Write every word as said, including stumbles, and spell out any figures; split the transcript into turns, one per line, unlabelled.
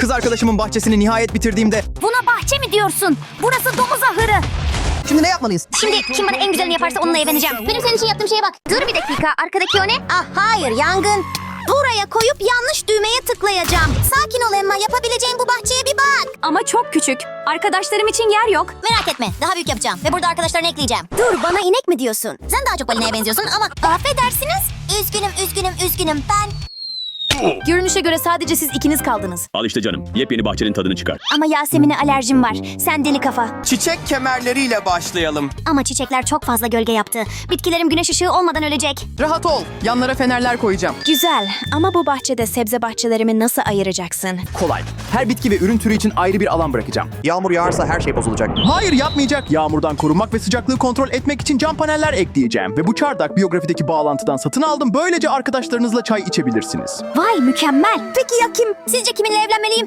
Kız arkadaşımın bahçesini nihayet bitirdiğimde...
Buna bahçe mi diyorsun? Burası domuz ahırı.
Şimdi ne yapmalıyız?
Şimdi kim bana en güzelini yaparsa onunla evleneceğim. Benim senin için yaptığım şeye bak. Dur bir dakika. Arkadaki o ne? Ah hayır, yangın. Buraya koyup yanlış düğmeye tıklayacağım. Sakin ol Emma, yapabileceğin bu bahçeye bir bak.
Ama çok küçük. Arkadaşlarım için yer yok.
Merak etme, daha büyük yapacağım ve burada arkadaşlarını ekleyeceğim. Dur, bana inek mi diyorsun? Sen daha çok balinaya benziyorsun ama... Affedersiniz. Üzgünüm, üzgünüm, üzgünüm. Ben...
Görünüşe göre sadece siz ikiniz kaldınız.
Al işte canım. Yepyeni bahçenin tadını çıkar.
Ama Yasemin'e alerjim var. Sen deli kafa.
Çiçek kemerleriyle başlayalım.
Ama çiçekler çok fazla gölge yaptı. Bitkilerim güneş ışığı olmadan ölecek.
Rahat ol. Yanlara fenerler koyacağım.
Güzel ama bu bahçede sebze bahçelerimi nasıl ayıracaksın?
Kolay. Her bitki ve ürün türü için ayrı bir alan bırakacağım. Yağmur yağarsa her şey bozulacak. Hayır, yapmayacak. Yağmurdan korunmak ve sıcaklığı kontrol etmek için cam paneller ekleyeceğim. Ve bu çardak biyografideki bağlantıdan satın aldım. Böylece arkadaşlarınızla çay içebilirsiniz.
Vay mükemmel. Peki ya kim? Sizce kiminle evlenmeliyim?